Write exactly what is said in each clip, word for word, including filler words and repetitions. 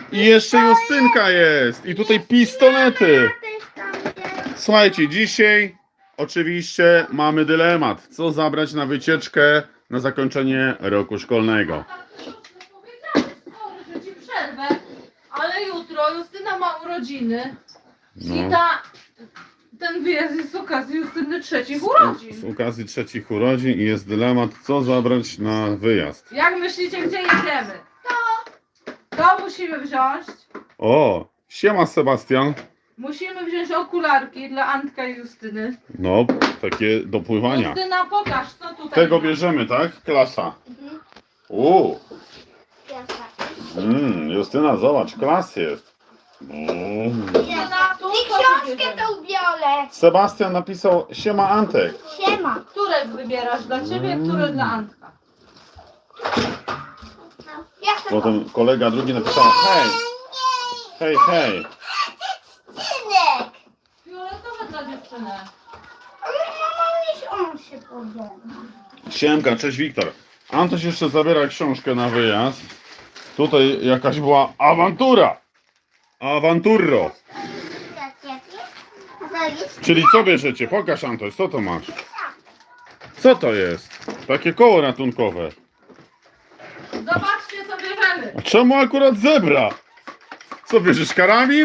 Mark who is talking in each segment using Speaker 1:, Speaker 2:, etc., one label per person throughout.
Speaker 1: I jeszcze Justynka jest. I tutaj pistolety. Słuchajcie, dzisiaj oczywiście mamy dylemat. Co zabrać na wycieczkę na zakończenie roku szkolnego?
Speaker 2: Sorry, że ci przerwę, ale jutro Justyna ma urodziny.
Speaker 1: No.
Speaker 2: I ta, ten wyjazd jest z okazji Justyny trzecich urodzin.
Speaker 1: Z okazji trzecich urodzin i jest dylemat, co zabrać na wyjazd.
Speaker 2: Jak myślicie, gdzie jedziemy? To. To musimy wziąć.
Speaker 1: O, siema Sebastian.
Speaker 2: Musimy wziąć okularki dla Antka i Justyny.
Speaker 1: No, takie do pływania.
Speaker 2: Justyna, pokaż, co tutaj
Speaker 1: Tego
Speaker 2: ma.
Speaker 1: bierzemy, tak? Klasa. Uuu. Mm, Justyna, zobacz, klas jest. Mm.
Speaker 2: Justyna, tu
Speaker 3: I
Speaker 2: co
Speaker 3: książkę
Speaker 2: wybierzemy?
Speaker 3: tą biorę.
Speaker 1: Sebastian napisał, siema Antek.
Speaker 3: Siema.
Speaker 2: Które wybierasz dla ciebie, które dla Antka?
Speaker 3: Ja chcę
Speaker 1: Potem kolega drugi napisał, hej, hej, hej.
Speaker 3: synek.
Speaker 2: Fioletowe dla dziewczyny.
Speaker 3: Ale mama niż on się podoba.
Speaker 1: Siemka, cześć Wiktor. Antoś jeszcze zabiera książkę na wyjazd. Tutaj jakaś była awantura. Awanturro. Czyli co bierzecie? Pokaż Antoś, co to masz? Co to jest? Takie koło ratunkowe.
Speaker 2: Zobaczcie, co bierzemy.
Speaker 1: A czemu akurat zebra? Co bierzesz, karabin?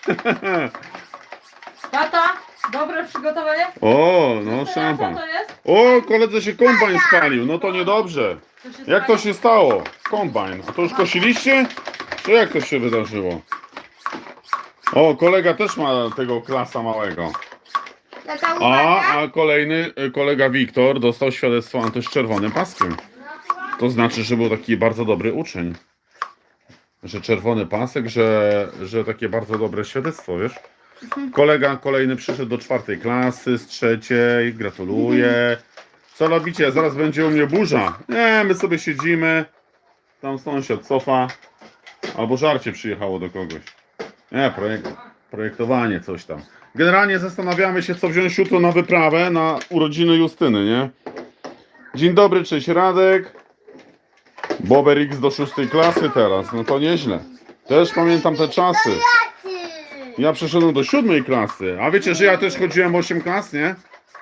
Speaker 2: Tata, dobre przygotowanie?
Speaker 1: O, no
Speaker 2: Justyna, co
Speaker 1: szampan.
Speaker 2: to jest?
Speaker 1: O, koledze się kombajn spalił, no to niedobrze.
Speaker 2: Co się
Speaker 1: Jak to
Speaker 2: stało?
Speaker 1: się stało? Kombajn. A to już kosiliście? Czy jak to się wydarzyło? O, kolega też ma tego klasa małego.
Speaker 3: Taka
Speaker 1: A,
Speaker 3: uwaga.
Speaker 1: a kolejny y, kolega Wiktor dostał świadectwo Antoś z czerwonym paskiem. To znaczy, że był taki bardzo dobry uczeń. Że czerwony pasek, że, że takie bardzo dobre świadectwo, wiesz? Kolega kolejny przyszedł do czwartej klasy z trzeciej. Gratuluję. Co robicie? Zaraz będzie u mnie burza. Nie, my sobie siedzimy. Tam sąsiad cofa. Albo żarcie przyjechało do kogoś. Nie, projekt, projektowanie, coś tam. Generalnie zastanawiamy się, co wziąć jutro na wyprawę na urodziny Justyny, nie? Dzień dobry, cześć Radek. Bober X do szóstej klasy teraz, no to nieźle. Też pamiętam te czasy. Ja przeszedłem do siódmej klasy. A wiecie, że ja też chodziłem osiem klas, nie?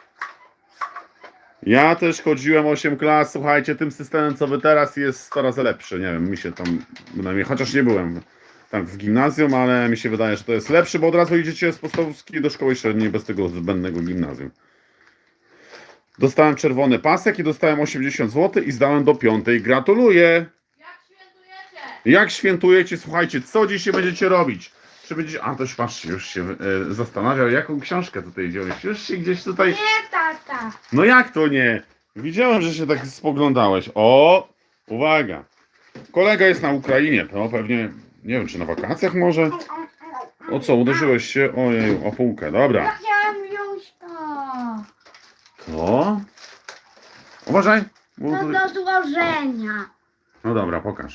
Speaker 1: Ja też chodziłem osiem klas. Słuchajcie, tym systemem, co wy teraz, jest coraz lepszy. Nie wiem, mi się tam, bynajmniej, chociaż nie byłem tak w gimnazjum, ale mi się wydaje, że to jest lepszy, bo od razu idziecie z podstawówki do szkoły średniej bez tego zbędnego gimnazjum. Dostałem czerwony pasek i dostałem osiemdziesiąt złotych i zdałem do piątej. Gratuluję!
Speaker 2: Jak świętujecie?
Speaker 1: Jak świętujecie? Słuchajcie, co dzisiaj będziecie robić? Czy będziecie... A, toś patrzcie, już się e, zastanawiał, jaką książkę tutaj wziąłeś. Już się gdzieś tutaj...
Speaker 3: Nie, tata.
Speaker 1: No jak to nie? Widziałem, że się tak spoglądałeś. O! Uwaga! Kolega jest na Ukrainie. To pewnie, nie wiem, czy na wakacjach może? O co, uderzyłeś się? Ojej, o półkę.
Speaker 3: Ja
Speaker 1: Dobra.
Speaker 3: chciałam wziąć to.
Speaker 1: To? Uważaj. bo
Speaker 3: To
Speaker 1: tutaj-
Speaker 3: do złożenia.
Speaker 1: No dobra, pokaż.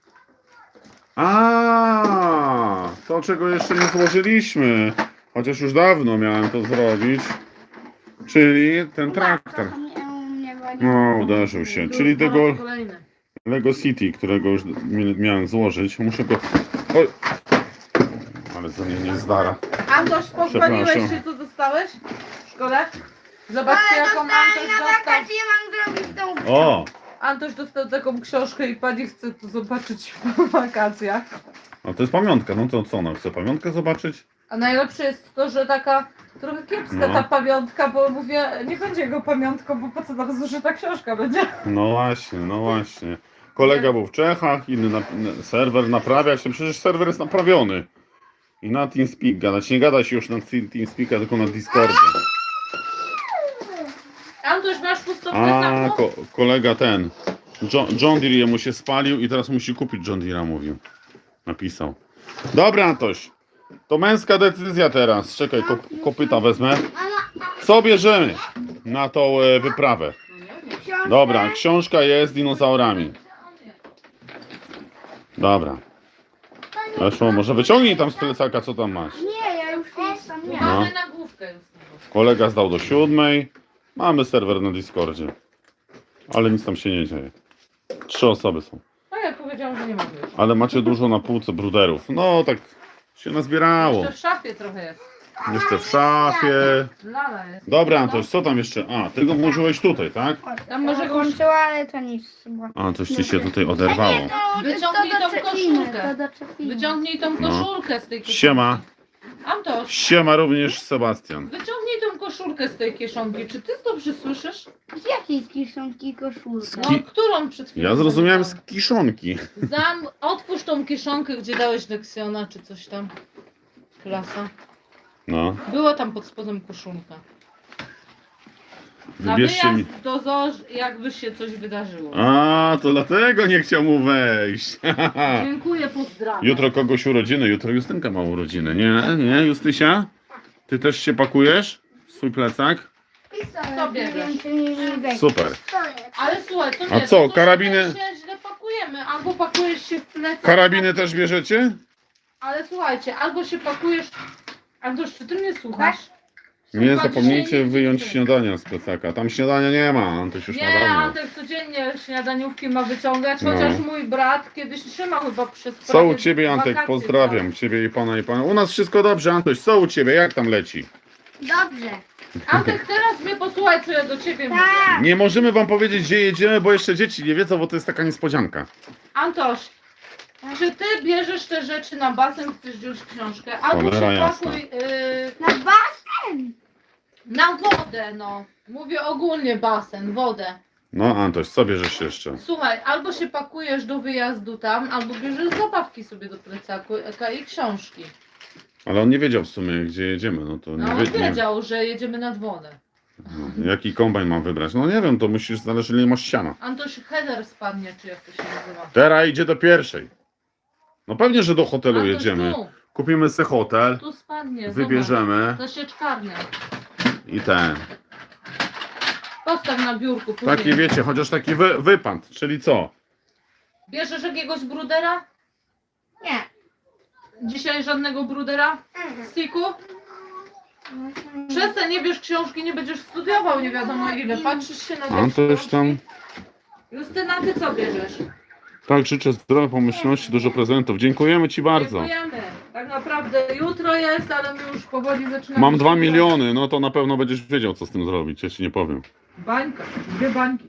Speaker 1: A, to czego jeszcze nie złożyliśmy. Chociaż już dawno miałem to zrobić. Czyli ten traktor. No, uderzył się. Czyli tego
Speaker 2: Kolejny.
Speaker 1: Lego City, którego już mi- miałem złożyć. Muszę go... Oj! Ale to nie, nie zdara.
Speaker 2: Antoś, pochwaliłeś
Speaker 1: Przepraszam.
Speaker 2: się, co dostałeś w szkole? Zobaczcie, jaką Antoś
Speaker 3: Na
Speaker 2: dostał.
Speaker 3: wakacje mam zrobić tą.
Speaker 1: O!
Speaker 2: Antoś dostał taką książkę i pani chce to zobaczyć w wakacjach.
Speaker 1: No to jest pamiątka. No to co, ona chce pamiątkę zobaczyć?
Speaker 2: A najlepsze jest to, że taka trochę kiepska
Speaker 1: No.
Speaker 2: ta pamiątka, bo mówię, nie będzie jego pamiątką, bo po co nam zużyta książka będzie?
Speaker 1: No właśnie, no właśnie. Kolega był w Czechach, inny na, na, serwer naprawia się. Przecież serwer jest naprawiony. I na TeamSpeak gadać. Nie gada się już na Te- TeamSpeaka, tylko na Discordzie.
Speaker 2: Antoś, masz pustowkę
Speaker 1: A,
Speaker 2: samą?
Speaker 1: ko kolega ten. John, John Deere jemu się spalił i teraz musi kupić John Deere'a, mówił. Napisał. Dobra, Antoś. To męska decyzja teraz. Czekaj, kop kopyta wezmę. Co bierzemy na tą e, wyprawę?
Speaker 3: Książkę.
Speaker 1: Dobra, książka jest z dinozaurami. Dobra. Weszło, może wyciągnij tam z plecaka, co tam masz.
Speaker 3: Nie, ja już jestem. Nie.
Speaker 1: No.
Speaker 2: Mamy nagłówkę już.
Speaker 1: Kolega zdał do siódmej. Mamy serwer na Discordzie. Ale nic tam się nie dzieje. Trzy osoby są.
Speaker 2: Tak jak powiesz, powiedziałam, że nie mogę już.
Speaker 1: Ale macie dużo na półce bruderów. No tak się nazbierało.
Speaker 2: Jeszcze w szafie trochę jest.
Speaker 1: Jeszcze w szafie.
Speaker 2: Lala jest.
Speaker 1: Dobra, Antoś, co tam jeszcze? A, ty go włożyłeś tutaj, tak?
Speaker 2: Tam może go
Speaker 3: włączyła, ale to nic chyba.
Speaker 1: A, coś ci się tutaj oderwało.
Speaker 2: Wyciągnij tą koszulkę.
Speaker 3: To doczepimy.
Speaker 2: Wyciągnij tą
Speaker 1: No.
Speaker 2: koszulkę z tej koszulki.
Speaker 1: Siema.
Speaker 2: Antoś,
Speaker 1: Siema również Sebastian.
Speaker 2: wyciągnij tą koszulkę z tej kieszonki. Czy ty dobrze słyszysz?
Speaker 3: Z jakiej kieszonki koszulka?
Speaker 1: Z
Speaker 2: No,
Speaker 1: Ki-
Speaker 2: którą przed chwilą?
Speaker 1: Ja zrozumiałem z
Speaker 2: powiedziałam?
Speaker 1: kiszonki.
Speaker 2: Zam, otwórz tą kieszonkę, gdzie dałeś leksjona, czy coś tam. Klasa.
Speaker 1: No,
Speaker 2: Była tam pod spodem koszulka. Na
Speaker 1: wybierzcie mi.
Speaker 2: wyjazd do Z O Ż, jakby się coś wydarzyło.
Speaker 1: A, to dlatego nie chciał mu wejść.
Speaker 2: Dziękuję, pozdrawiam.
Speaker 1: Jutro kogoś urodziny, jutro Justynka ma urodziny. Nie, nie, Justysia? Ty też się pakujesz? w Swój plecak?
Speaker 2: Co bierzesz?
Speaker 1: Super.
Speaker 2: Ale słuchaj, to
Speaker 1: A
Speaker 2: wiesz,
Speaker 1: co,
Speaker 2: to
Speaker 1: karabiny?
Speaker 2: się źle pakujemy. Albo pakujesz się w plecak.
Speaker 1: Karabiny też bierzecie?
Speaker 2: Ale słuchajcie, albo się pakujesz. Albo czy ty mnie słuchasz?
Speaker 1: Nie
Speaker 2: Słuchaj,
Speaker 1: zapomnijcie
Speaker 2: dzisiaj
Speaker 1: wyjąć
Speaker 2: nie-
Speaker 1: śniadania z plecaka. Tam śniadania nie ma, Antoś już na
Speaker 2: Nie,
Speaker 1: dawno.
Speaker 2: Antek codziennie śniadaniówki ma wyciągać,
Speaker 1: No.
Speaker 2: chociaż mój brat kiedyś trzymał chyba przez
Speaker 1: Co
Speaker 2: prawie
Speaker 1: u ciebie, Antek?
Speaker 2: wakacje
Speaker 1: Pozdrawiam
Speaker 2: brał.
Speaker 1: ciebie i pana i pana. U nas wszystko dobrze, Antoś. Co u ciebie? Jak tam leci?
Speaker 3: Dobrze.
Speaker 2: Antek, teraz mnie posłuchaj, co ja do ciebie mówię.
Speaker 3: Tak.
Speaker 1: Nie możemy wam powiedzieć, gdzie jedziemy, bo jeszcze dzieci nie wiedzą, bo to jest taka niespodzianka.
Speaker 2: Antoś, czy ty bierzesz te rzeczy na basen, chcesz wziąć książkę? Albo
Speaker 1: Cholera
Speaker 2: się
Speaker 1: jasna.
Speaker 2: pakuj yy,
Speaker 3: Na basen.
Speaker 2: na wodę, no. Mówię ogólnie basen, wodę.
Speaker 1: No, Antoś, co bierzesz jeszcze?
Speaker 2: Słuchaj, albo się pakujesz do wyjazdu tam, albo bierzesz zabawki sobie do plecaku eka, i książki.
Speaker 1: Ale on nie wiedział w sumie, gdzie jedziemy. No to
Speaker 2: No
Speaker 1: nie
Speaker 2: on
Speaker 1: wie, nie,
Speaker 2: wiedział, że jedziemy nad wodę.
Speaker 1: no, jaki kombajn mam wybrać? No nie wiem, to musisz, zależy ile masz siana.
Speaker 2: Antoś header spadnie, czy jak to się nazywa.
Speaker 1: Teraz idzie do pierwszej. No pewnie, że do hotelu
Speaker 2: Antoś,
Speaker 1: jedziemy.
Speaker 2: Tu,
Speaker 1: Kupimy sobie hotel,
Speaker 2: tu spadnie,
Speaker 1: wybierzemy
Speaker 2: zobacz. To sieczkarnia.
Speaker 1: i ten.
Speaker 2: Postaw na biurku później.
Speaker 1: Taki wiecie, chociaż taki wy, wypad, czyli co?
Speaker 2: Bierzesz jakiegoś brudera?
Speaker 3: Nie.
Speaker 2: Dzisiaj żadnego brudera? Stiku? Przestań, nie bierz książki, nie będziesz studiował nie wiadomo ile. Patrzysz się na te
Speaker 1: A to już
Speaker 2: książki.
Speaker 1: tam.
Speaker 2: Justyna, ty co bierzesz?
Speaker 1: Tak, życzę zdrowia, pomyślności, dużo prezentów. Dziękujemy ci bardzo.
Speaker 2: Dziękujemy. Tak naprawdę jutro jest, ale my już powoli zaczynamy.
Speaker 1: Mam dwa
Speaker 2: studiować.
Speaker 1: miliony, no to na pewno będziesz wiedział, co z tym zrobić. Ja ci nie powiem.
Speaker 2: Bańka, dwie bańki.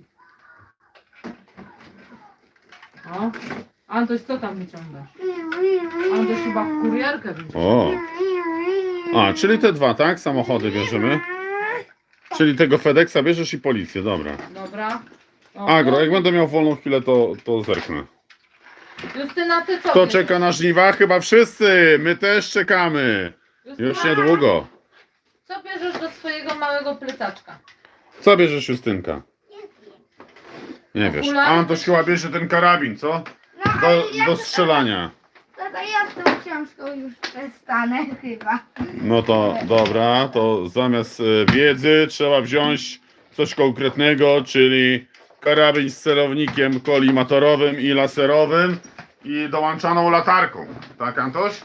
Speaker 2: O, Antoś, co tam wyciągasz? Antoś chyba w kurierkę wyciąga.
Speaker 1: O, a, czyli te dwa, tak? Samochody bierzemy. Czyli tego FedExa bierzesz i policję, dobra.
Speaker 2: Dobra. O,
Speaker 1: Agro, jak będę miał wolną chwilę, to, to zerknę.
Speaker 2: Justyna, ty co
Speaker 1: Kto
Speaker 2: bierzesz?
Speaker 1: czeka na żniwa? Chyba wszyscy! My też czekamy.
Speaker 2: Justyna,
Speaker 1: Już niedługo.
Speaker 2: co bierzesz do swojego małego plecaczka?
Speaker 1: Co bierzesz, Justynka? Nie wiesz.
Speaker 2: Okulary?
Speaker 1: Antoś chyba bierze ten karabin, co?
Speaker 3: No,
Speaker 1: Do,
Speaker 3: ale ja
Speaker 1: do
Speaker 3: to-
Speaker 1: strzelania.
Speaker 3: To, to ja z tą książką już przestanę chyba.
Speaker 1: No to dobra, to zamiast e, wiedzy trzeba wziąć coś konkretnego, czyli karabin z celownikiem kolimatorowym i laserowym i dołączaną latarką. Tak, Antoś?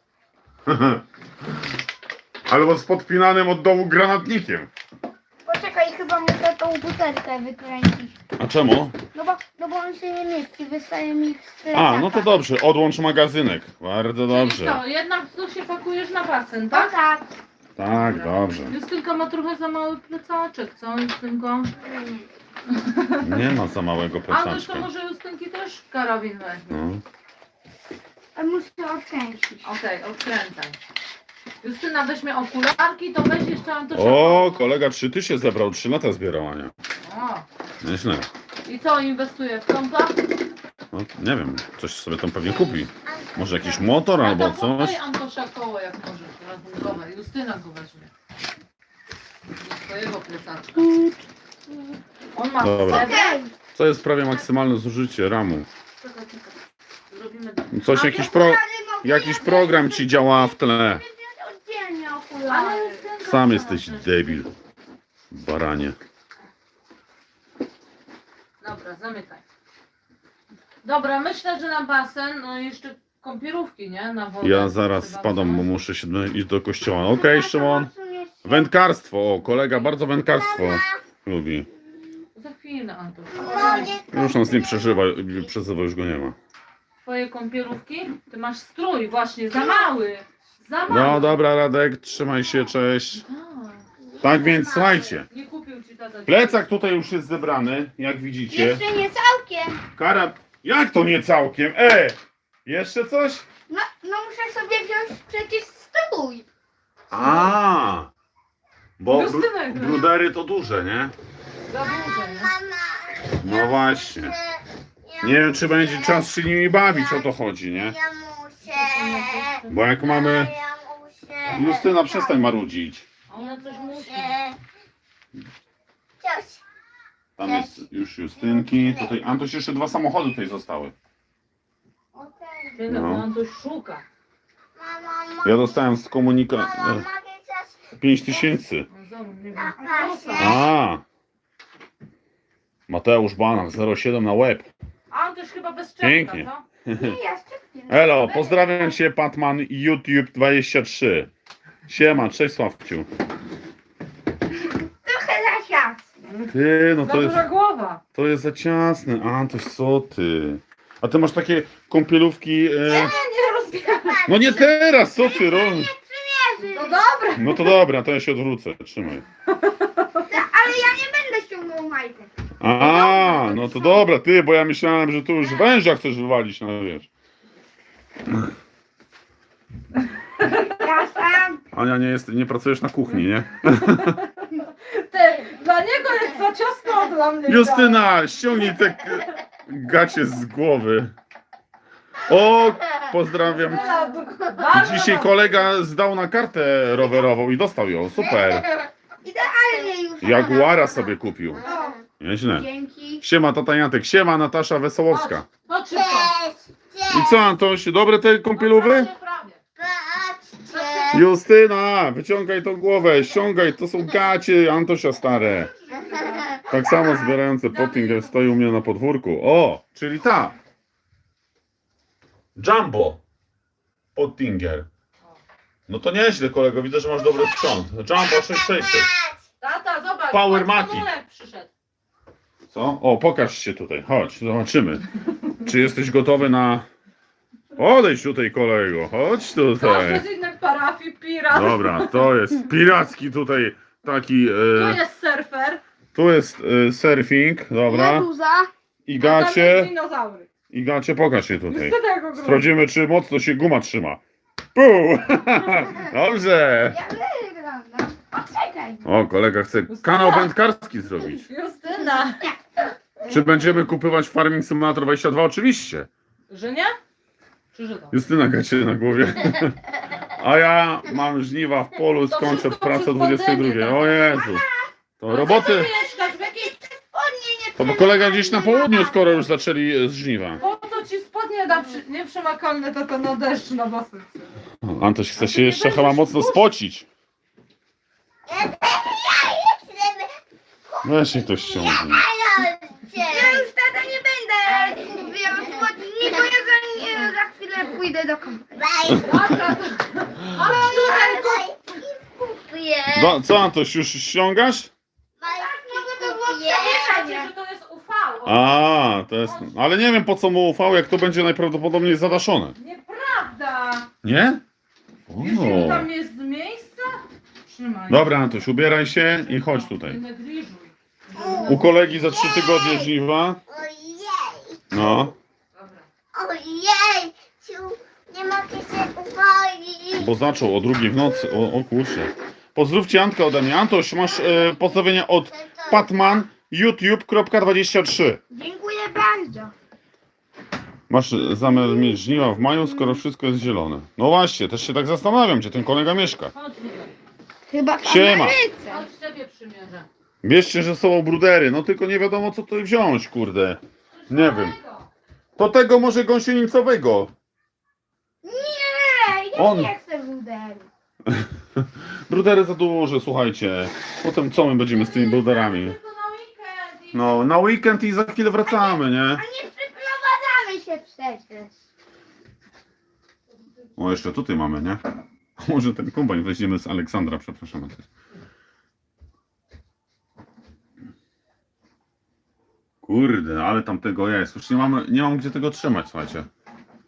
Speaker 1: Albo z podpinanym od dołu granatnikiem.
Speaker 3: Poczekaj, chyba muszę tą butelkę wykręcić.
Speaker 1: A czemu?
Speaker 3: No bo, no bo on się nie mieści, wystaje mi z plecaka.
Speaker 1: A, no to dobrze, odłącz magazynek. Bardzo
Speaker 2: Czyli
Speaker 1: dobrze.
Speaker 2: co, jednak tu się pakujesz na basen,
Speaker 3: Tak,
Speaker 2: tak?
Speaker 3: tak.
Speaker 1: Tak, dobrze.
Speaker 2: Justynka ma trochę za mały plecaczek, co Justynko?
Speaker 1: Nie ma za małego
Speaker 2: Antoś, to
Speaker 1: plecaczka.
Speaker 2: może Justynki też karabin weźmie.
Speaker 1: No.
Speaker 3: A muszę odkręcić.
Speaker 2: Okej, odkręcaj. Justyna weźmie okularki, to weź jeszcze Antosia.
Speaker 1: O, kolega trzy ty się zebrał, trzy lata zbierał, Ania.
Speaker 2: O.
Speaker 1: Nieźle.
Speaker 2: I co, inwestuje w kompa?
Speaker 1: No, nie wiem, coś sobie tam pewnie kupi. Może jakiś motor
Speaker 2: A
Speaker 1: albo
Speaker 2: to podaj
Speaker 1: coś.
Speaker 2: Antosia koło jak możesz, rachunkowe. Justyna go weźmie. Do swojego plecaczka. On ma
Speaker 1: Dobra.
Speaker 2: srebrę.
Speaker 3: Okej.
Speaker 1: Co jest prawie maksymalne zużycie ramu.
Speaker 2: Czekaj, czekaj. Zrobimy
Speaker 1: Coś,
Speaker 2: A
Speaker 1: jakiś, pro, jakiś program ci działa w tle.
Speaker 3: Oddzielnie
Speaker 2: Ale
Speaker 3: okulary.
Speaker 2: Justynka
Speaker 1: Sam
Speaker 2: co
Speaker 1: jesteś
Speaker 2: chcesz?
Speaker 1: debil. Baranie.
Speaker 2: Dobra, zamykaj. Dobra, myślę, że na basen, no i jeszcze kąpielówki, nie? Na wodę.
Speaker 1: Ja zaraz
Speaker 2: Trzeba
Speaker 1: spadam, bo
Speaker 2: wziąć.
Speaker 1: muszę się do- iść do kościoła. Okej, Szymon. Wędkarstwo. O, kolega bardzo wędkarstwo lubi.
Speaker 2: Za chwilę, Antoś.
Speaker 1: Już nas nie przeżywa, przezywa, już go nie ma.
Speaker 2: twoje kąpielówki? Ty masz strój właśnie, za mały. Za mały.
Speaker 1: No dobra, Radek, trzymaj się, cześć.
Speaker 2: Tak.
Speaker 1: Tak więc słuchajcie,
Speaker 2: Nie kupił ci tata.
Speaker 1: plecak tutaj już jest zebrany, jak widzicie.
Speaker 3: Jeszcze nie całkiem.
Speaker 1: Kara, jak to nie całkiem? E, jeszcze coś?
Speaker 3: No, no muszę sobie wziąć przecież stój.
Speaker 1: A, bo bru,
Speaker 2: Justynek, no.
Speaker 1: brudery to duże, nie?
Speaker 2: Za duże, nie?
Speaker 1: No właśnie. Nie wiem, czy będzie czas się nimi bawić, o to chodzi, nie?
Speaker 3: Ja muszę.
Speaker 1: Bo jak mamy...
Speaker 3: Ja muszę.
Speaker 1: Justyna, przestań marudzić.
Speaker 2: A ona coś musi.
Speaker 3: Coś.
Speaker 1: Tam jest już Justynki. Tutaj, Antoś, jeszcze dwa samochody tutaj zostały.
Speaker 3: Okej.
Speaker 2: Ty
Speaker 1: No.
Speaker 2: no. On tu szuka.
Speaker 3: Mama,
Speaker 1: Ja dostałem z komunika...
Speaker 3: mama,
Speaker 1: e,
Speaker 3: mogę coś?
Speaker 1: pięć tysięcy.
Speaker 2: No zobacz, nie wiem.
Speaker 1: A. Mateusz Banak, zero siedem na łeb.
Speaker 2: A on też chyba bez czepka,
Speaker 1: Pięknie.
Speaker 2: co?
Speaker 3: Nie, ja szczypnie.
Speaker 1: Elo, pozdrawiam cię, Patman YouTube dwadzieścia trzy. Siema, cześć Sławciu.
Speaker 3: Trochę za sias.
Speaker 1: Ty, no
Speaker 2: Za
Speaker 1: to jest,
Speaker 2: duża głowa.
Speaker 1: to jest za ciasne. Antoś, co ty? A ty masz takie kąpielówki... E...
Speaker 2: Nie rozbieraj.
Speaker 1: No nie teraz, co ty robisz?
Speaker 2: No dobra.
Speaker 1: No to dobra, to ja się odwrócę, trzymaj.
Speaker 3: Ale ja nie będę ściągnął majtek.
Speaker 1: A, no to dobra, ty, bo ja myślałem, że tu już węża chcesz wywalić, no wiesz.
Speaker 3: Ja sam.
Speaker 1: Ania, nie, jest, nie pracujesz na kuchni, nie?
Speaker 2: Ty, dla niego jest za ciasno, a dla mnie
Speaker 1: Justyna, ściągnij te k- gacie z głowy. O, pozdrawiam.
Speaker 2: Bardzo
Speaker 1: Dzisiaj kolega zdał na kartę rowerową i dostał ją, super.
Speaker 3: Idealnie już.
Speaker 1: Jaguara sobie kupił.
Speaker 3: O,
Speaker 1: Nieźle.
Speaker 3: dzięki.
Speaker 1: Siema, tata Jantek, siema, Natasza Wesołowska.
Speaker 2: Chodź szybko.
Speaker 1: I co, Antoś, dobre te kąpielowy?
Speaker 2: Prawie, prawie.
Speaker 3: Patrzcie.
Speaker 1: Justyna, wyciągaj tą głowę, ściągaj, to są gacie Antosia stare. Tak samo zbierające Pottinger stoi u mnie na podwórku. O, czyli ta. Jumbo. Pottinger. No to nieźle, kolego, widzę, że masz dobry sprzęt. Jumbo sześć tysięcy sześćset.
Speaker 2: Tata, zobacz.
Speaker 1: Power
Speaker 2: patrz,
Speaker 1: Maki.
Speaker 2: Manunek przyszedł.
Speaker 1: Co? O, pokaż się tutaj, chodź, zobaczymy. Czy jesteś gotowy na... Odejdź tutaj, kolego, chodź
Speaker 2: Każdy
Speaker 1: tutaj.
Speaker 2: z innych parafii, pirat.
Speaker 1: Dobra, to jest piracki tutaj taki...
Speaker 2: Tu
Speaker 1: E,
Speaker 2: jest surfer.
Speaker 1: tu jest e, surfing, dobra.
Speaker 3: Meduza.
Speaker 1: I
Speaker 2: A tam jest
Speaker 1: gacie,
Speaker 2: dinozaury.
Speaker 1: i gacie, pokaż się tutaj.
Speaker 2: Niestety jak go
Speaker 1: Sprawdzimy, czy mocno się guma trzyma. Pół! Dobrze!
Speaker 3: Ja wyglądam. Poczekaj.
Speaker 1: O, kolega chce kanał wędkarski zrobić.
Speaker 2: Justyna.
Speaker 1: Czy będziemy kupować Farming Simulator dwadzieścia dwa? Oczywiście.
Speaker 2: Że nie? Czy że to?
Speaker 1: Justyna gacie na głowie. A ja mam żniwa w polu,
Speaker 2: To
Speaker 1: skończę
Speaker 2: wszystko
Speaker 1: pracę o
Speaker 2: przez
Speaker 1: dwudziestej drugiej.
Speaker 2: pandemię,
Speaker 1: O Jezu. To roboty.
Speaker 2: Gdzie ty mieszkasz? W jakiej...
Speaker 3: Spodnie nie
Speaker 1: To bo kolega gdzieś na południu, skoro już zaczęli e, z żniwa.
Speaker 2: Po co ci spodnie da przy... nieprzemakalne, tylko na deszcz na basen?
Speaker 1: O, Antoś chce się jeszcze chyba mocno spocić. Weź się to ściągnij.
Speaker 3: Ja już tata nie będę mówiła spodni, bo ja za, nie, za chwilę pójdę do komputera.
Speaker 2: Dobra, to... Ale
Speaker 1: No, co Antoś, już ściągasz?
Speaker 3: No to było
Speaker 2: Wiecie,
Speaker 3: przemieszanie.
Speaker 2: że to jest U V.
Speaker 1: A, to jest... Ale nie wiem po co mu ufał, jak to będzie najprawdopodobniej zadaszone.
Speaker 2: Nieprawda.
Speaker 1: Nie?
Speaker 2: Wiesz, ile
Speaker 1: O.
Speaker 2: tam jest miejsca? Trzymaj.
Speaker 1: Dobra Antoś, ubieraj się i chodź
Speaker 2: Nie
Speaker 1: tutaj.
Speaker 2: negliżuj.
Speaker 1: U kolegi za trzy tygodnie żniwa.
Speaker 3: Ojej,
Speaker 1: No,
Speaker 2: Dobra.
Speaker 3: ojej, nie mogę się uwolnić.
Speaker 1: bo zaczął o drugiej w nocy. O, o kurczę. Pozdrówcie Antka ode mnie. Antoś, masz e, pozdrowienia od patman youtube kropka dwadzieścia trzy.
Speaker 3: Dziękuję bardzo.
Speaker 1: Masz zamiar mieć żniwa w maju, skoro wszystko jest zielone. No właśnie, też się tak zastanawiam, gdzie ten kolega mieszka.
Speaker 2: Chodź tutaj.
Speaker 3: Chyba w
Speaker 1: Siema.
Speaker 3: Ameryce.
Speaker 2: Chodź ciebie przymierzę.
Speaker 1: Bierzcie ze sobą brudery, no tylko nie wiadomo co tutaj wziąć, kurde. Nie wiem.
Speaker 2: Kolego.
Speaker 1: To tego może gąsienicowego.
Speaker 3: Nie, ja
Speaker 1: On.
Speaker 3: nie chcę bruderu.
Speaker 1: Brudery za duże, słuchajcie. Potem co my będziemy z tymi bruderami?
Speaker 2: Tylko na weekend i...
Speaker 1: No, na weekend i za chwilę wracamy, nie?
Speaker 3: A nie przyprowadzamy się przecież.
Speaker 1: O, jeszcze tutaj mamy, nie? Może ten kombajn weźmiemy z Aleksandra, przepraszam. Kurde, ale tam tego jest. Już nie mamy, nie mam gdzie tego trzymać, słuchajcie.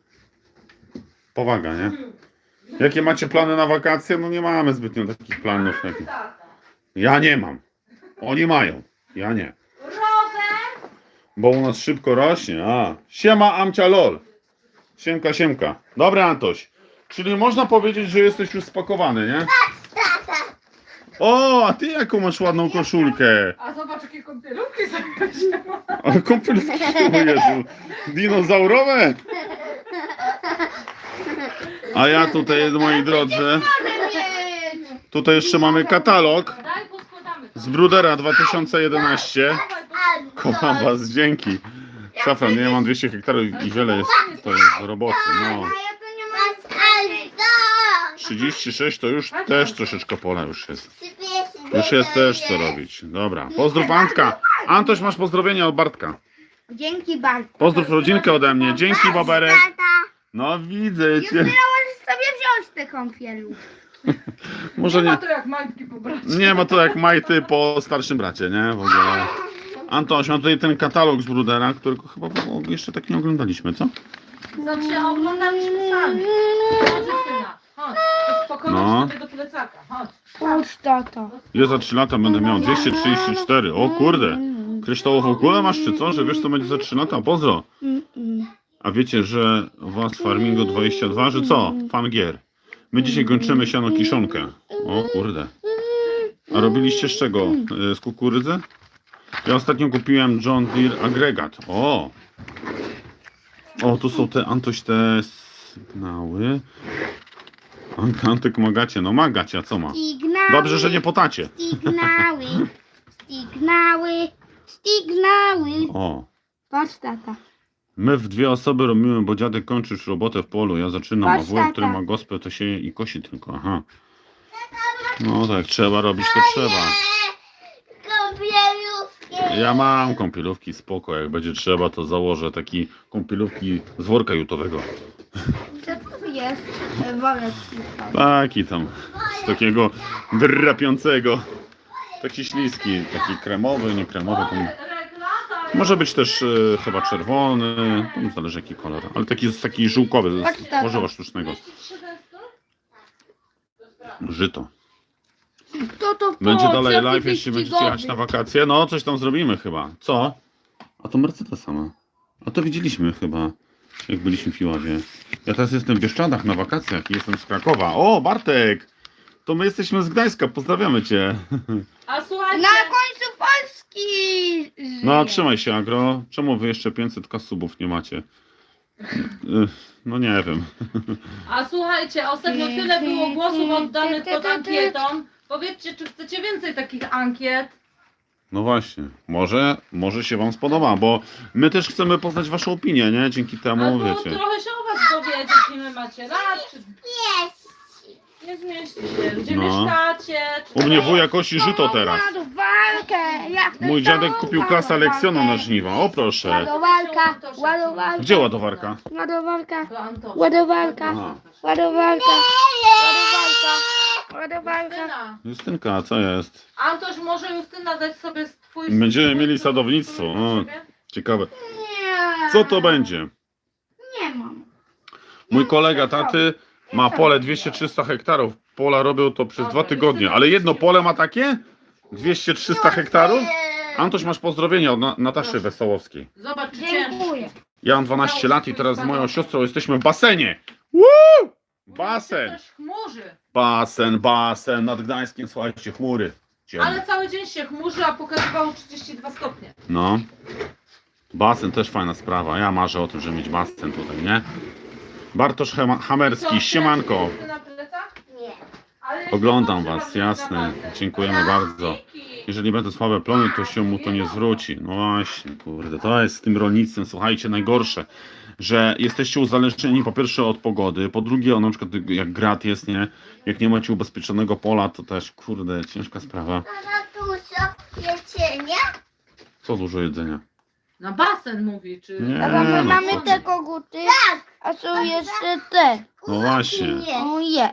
Speaker 1: Powaga, nie? Jakie macie plany na wakacje? No nie mamy zbytnio takich planów. Jak... Ja nie mam. Oni mają. Ja nie.
Speaker 2: Rower!
Speaker 1: Bo u nas szybko rośnie. A. Siema Amcia lol. Siemka, siemka. Dobra Antoś. Czyli można powiedzieć, że jesteś już spakowany, nie? O, a ty jaką masz ładną koszulkę.
Speaker 2: A zobacz, jakie kąpielówki sobie
Speaker 1: Ale kąpielówki, o Jezu. Dinozaurowe. A ja tutaj, moi drodzy, tutaj jeszcze mamy katalog
Speaker 2: Daj, poskładamy to.
Speaker 1: z Brudera dwa tysiące jedenaście.
Speaker 2: Dawaj, poskładamy.
Speaker 1: Kocham was, dzięki. Szafran, nie mam dwieście hektarów i wiele jest, to jest roboty. No.
Speaker 3: A ja to nie mam.
Speaker 1: trzydzieści sześć to już też troszeczkę pola już jest. Już jest też co robić. Dobra, pozdrów Antka. Antoś, masz pozdrowienia od Bartka.
Speaker 3: Dzięki bardzo.
Speaker 1: Pozdrów rodzinkę ode mnie. Dzięki, Boberek.
Speaker 3: Tata.
Speaker 1: No widzę
Speaker 3: Justyna,
Speaker 1: cię.
Speaker 3: możesz sobie wziąć tę kąpielu.
Speaker 1: Może
Speaker 2: Nie ma
Speaker 1: nie,
Speaker 2: to jak majtki po bracie.
Speaker 1: nie ma to jak majty po starszym bracie, nie? W ogóle. Antoś, mam tutaj ten katalog z Brudera, którego chyba jeszcze tak nie oglądaliśmy, co?
Speaker 2: Znaczy, a oglądaliśmy sami. Chodź, Justyna. Chodź. Spokojnie
Speaker 1: No.
Speaker 2: sobie do plecaka. Chodź.
Speaker 3: Chodź, tato.
Speaker 1: Ja za trzy lata będę miał dwieście trzydzieści cztery. O kurde. Kryształową kulę masz czy co? Że wiesz co będzie za trzy lata? Pozdro. A wiecie, że was Farmingo dwadzieścia dwa, że co? Fan gier. My dzisiaj kończymy siano kiszonkę. O kurde. A robiliście z czego? E, Z kukurydzy? Ja ostatnio kupiłem John Deere agregat. O! O, tu są te Antoś te sygnały. Ant- Antyk magacie. No magacie, a co ma?
Speaker 3: Stignały.
Speaker 1: Dobrze, że nie potacie.
Speaker 3: Stignały. Stignały. Stignały.
Speaker 1: O.
Speaker 3: Patrz, tata.
Speaker 1: My w dwie osoby robimy, bo dziadek kończy już robotę w polu. Ja zaczynam, a
Speaker 3: Patrz,
Speaker 1: wujek, który
Speaker 3: tata.
Speaker 1: ma gospę, to sieje i kosi tylko. Aha. No tak, trzeba robić, to trzeba.
Speaker 3: Kąpielówki.
Speaker 1: Ja mam kąpielówki, spoko. Jak będzie trzeba, to założę taki kąpielówki z worka jutowego.
Speaker 3: Co to jest? Wolę
Speaker 1: Taki tam, z takiego drapiącego. Taki śliski, taki kremowy, nie kremowy. Tam. Może być też e, chyba czerwony, tam zależy jaki kolor, ale taki, taki żółkowy,
Speaker 3: Patrz,
Speaker 1: z
Speaker 3: tata.
Speaker 1: tworzywa sztucznego. Żyto.
Speaker 3: Kto to
Speaker 1: Będzie
Speaker 3: po-
Speaker 1: dalej
Speaker 3: jaki
Speaker 1: live, jeśli będziecie
Speaker 3: wyścigowy?
Speaker 1: jechać na wakacje. No, coś tam zrobimy chyba. Co? A to Mercedes sama. A to widzieliśmy chyba, jak byliśmy w Piławie. Ja teraz jestem w Bieszczadach na wakacjach i jestem z Krakowa. O, Bartek! To my jesteśmy z Gdańska, pozdrawiamy cię.
Speaker 2: A słuchajcie,
Speaker 3: Na końcu Polski.
Speaker 1: No,
Speaker 3: żyje.
Speaker 1: trzymaj się, Agro. Czemu wy jeszcze pięćset ka subów nie macie? Y, No nie wiem.
Speaker 2: a słuchajcie, ostatnio tyle było głosów oddanych pod ankietą. Powiedzcie, czy chcecie więcej takich ankiet?
Speaker 1: No właśnie, może, może się wam spodoba, bo my też chcemy poznać waszą opinię, nie? Dzięki temu,
Speaker 2: Albo
Speaker 1: wiecie.
Speaker 2: trochę się o was dowiedzieć, ile macie lat, czy nie zmieści się, gdzie
Speaker 1: No.
Speaker 2: mieszkacie. Czy
Speaker 1: U mnie wuja kosi żyto teraz.
Speaker 3: Ładowarkę. Ja chcę
Speaker 1: Mój dziadek
Speaker 3: tą
Speaker 1: kupił klasa
Speaker 3: ładowarkę.
Speaker 1: Leksjona na żniwa, o proszę.
Speaker 3: Ładowarka. Ładowarka.
Speaker 1: Gdzie ładowarka?
Speaker 3: Ładowarka.
Speaker 2: Do Antosia.
Speaker 3: Ładowarka.
Speaker 1: Aha.
Speaker 3: Ładowarka. Ładowarka. Ładowarka.
Speaker 2: Justyna.
Speaker 1: Justynka, co jest?
Speaker 2: Antoś, może Justyna dać sobie twój...
Speaker 1: Będziemy
Speaker 2: swój-
Speaker 1: mieli sadownictwo,
Speaker 2: swój
Speaker 1: o.
Speaker 2: dla siebie?
Speaker 1: Ciekawe.
Speaker 3: Nie.
Speaker 1: Co to będzie?
Speaker 3: Nie mam.
Speaker 1: Mój kolega taty ma pole dwieście trzysta hektarów. Pola robią to przez dwa tygodnie, ale jedno pole ma takie? dwieście trzysta hektarów? Antoś, masz pozdrowienia od Na- Nataszy Wesołowskiej.
Speaker 2: Zobacz, czy ciężko.
Speaker 3: Dziękuję.
Speaker 1: Ja mam dwanaście lat i teraz z moją siostrą jesteśmy w basenie. Woo! Basen!
Speaker 2: Też chmurzy.
Speaker 1: Basen, basen, nad Gdańskiem, słuchajcie, chmury. Ciemne.
Speaker 2: Ale cały dzień się chmurzy, a pokazywało trzydzieści dwa stopnie.
Speaker 1: No. Basen też fajna sprawa. Ja marzę o tym, żeby mieć basen tutaj, nie? Bartosz Hema- Hamerski, siemanko.
Speaker 2: Na plecach?
Speaker 3: Nie.
Speaker 2: Ale jeśli
Speaker 1: Oglądam
Speaker 2: dobrze
Speaker 1: was,
Speaker 2: robisz
Speaker 1: jasne.
Speaker 2: na basen.
Speaker 1: Dziękujemy bardzo. Jeżeli będą słabe plony, to się mu to nie zwróci. No właśnie, kurde, to jest z tym rolnictwem, słuchajcie, najgorsze, że jesteście uzależnieni po pierwsze od pogody, po drugie, o, na przykład jak grat jest, nie? Jak nie macie ubezpieczonego pola, to też, kurde, ciężka sprawa.
Speaker 3: Mama, tu jedzenie?
Speaker 1: Co dużo jedzenia?
Speaker 2: Na basen mówi, czy...
Speaker 1: Nie,
Speaker 3: Tata, my
Speaker 1: no
Speaker 3: mamy
Speaker 1: co
Speaker 3: te
Speaker 1: ty.
Speaker 3: koguty, tak. A są jeszcze te.
Speaker 1: No właśnie.
Speaker 3: O je.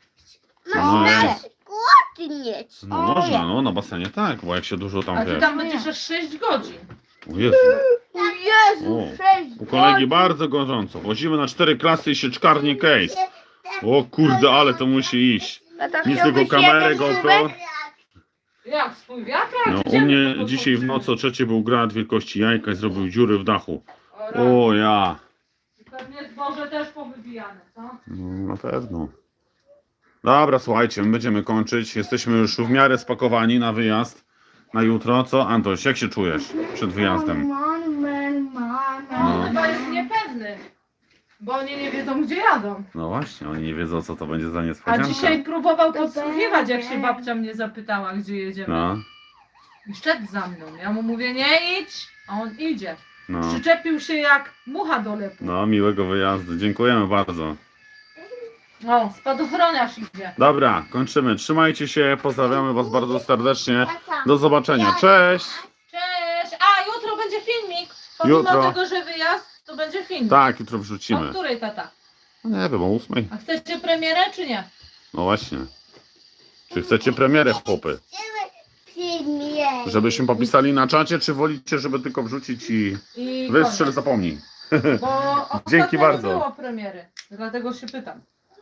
Speaker 1: No jest.
Speaker 3: Koty mieć.
Speaker 1: No można, no na basenie tak, bo jak się dużo
Speaker 2: A
Speaker 1: tam
Speaker 2: ty
Speaker 1: wiesz.
Speaker 2: tam będziesz aż sześć godzin.
Speaker 1: O Jezu.
Speaker 3: O Jezu,
Speaker 1: O,
Speaker 3: sześć
Speaker 1: u kolegi
Speaker 3: godzin.
Speaker 1: bardzo gorąco. Wozimy na cztery klasy i sieczkarnię case. O kurde, ale to musi iść.
Speaker 3: Tata,
Speaker 1: Nic
Speaker 3: chciałbyś
Speaker 1: tylko kamerę,
Speaker 3: jeden
Speaker 1: GoPro.
Speaker 3: kubek?
Speaker 2: Jak, swój wiatrak?
Speaker 1: No,
Speaker 2: Gdzie
Speaker 1: u
Speaker 2: my
Speaker 1: mnie
Speaker 2: to
Speaker 1: dzisiaj w
Speaker 2: podłączymy?
Speaker 1: nocy o trzeciej był grad wielkości jajka i zrobił dziury w dachu.
Speaker 2: O, rany.
Speaker 1: O ja.
Speaker 2: Pewnie zboże też powybijane, co?
Speaker 1: No, na pewno. Dobra, słuchajcie, my będziemy kończyć. Jesteśmy już w miarę spakowani na wyjazd. Na jutro. Co, Antoś, jak się czujesz przed wyjazdem?
Speaker 3: Man, man, man,
Speaker 2: No,
Speaker 3: man.
Speaker 2: chyba jest niepewny. Bo oni nie wiedzą, gdzie jadą.
Speaker 1: No właśnie, oni nie wiedzą, co to będzie za
Speaker 2: A
Speaker 1: niespodzianka.
Speaker 2: dzisiaj próbował
Speaker 3: To
Speaker 2: podsłuchiwać, jak się
Speaker 3: będzie.
Speaker 2: babcia mnie zapytała, gdzie jedziemy.
Speaker 1: No,
Speaker 2: I szedł za mną. Ja mu mówię, nie idź, a on idzie.
Speaker 1: no.
Speaker 2: Przyczepił się jak mucha do lepu.
Speaker 1: No, miłego wyjazdu. Dziękujemy bardzo.
Speaker 2: O, spadochroniarz idzie.
Speaker 1: Dobra, kończymy. Trzymajcie się, pozdrawiamy was bardzo serdecznie. Do zobaczenia. Cześć!
Speaker 2: Cześć! A, jutro będzie filmik. Pomimo
Speaker 1: Jutro.
Speaker 2: tego, że wyjazd, to będzie filmik.
Speaker 1: Tak, jutro
Speaker 2: O
Speaker 1: wrzucimy.
Speaker 2: której, tata?
Speaker 1: No nie wiem, o ósmej.
Speaker 2: A chcecie premierę, czy nie?
Speaker 1: No właśnie. Czy chcecie premierę, chłopy? Żebyśmy popisali na czacie, czy wolicie, żeby tylko wrzucić i
Speaker 2: I
Speaker 1: wystrzel,
Speaker 2: koniec.
Speaker 1: zapomnij.
Speaker 2: Bo
Speaker 1: Dzięki
Speaker 2: ostatnio
Speaker 1: bardzo.
Speaker 2: nie było premiery. Dlatego się pytam.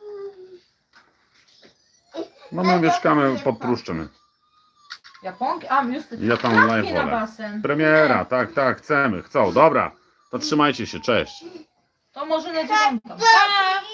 Speaker 1: No my mieszkamy pod Pruszczem.
Speaker 2: Japonki? A, już te
Speaker 1: Ja tam
Speaker 2: klatki
Speaker 1: live
Speaker 2: na
Speaker 1: wolę.
Speaker 2: basen.
Speaker 1: Premiera, tak, tak, chcemy, chcą. Dobra, to trzymajcie się, cześć.
Speaker 2: To może na dziewiątą. Pa!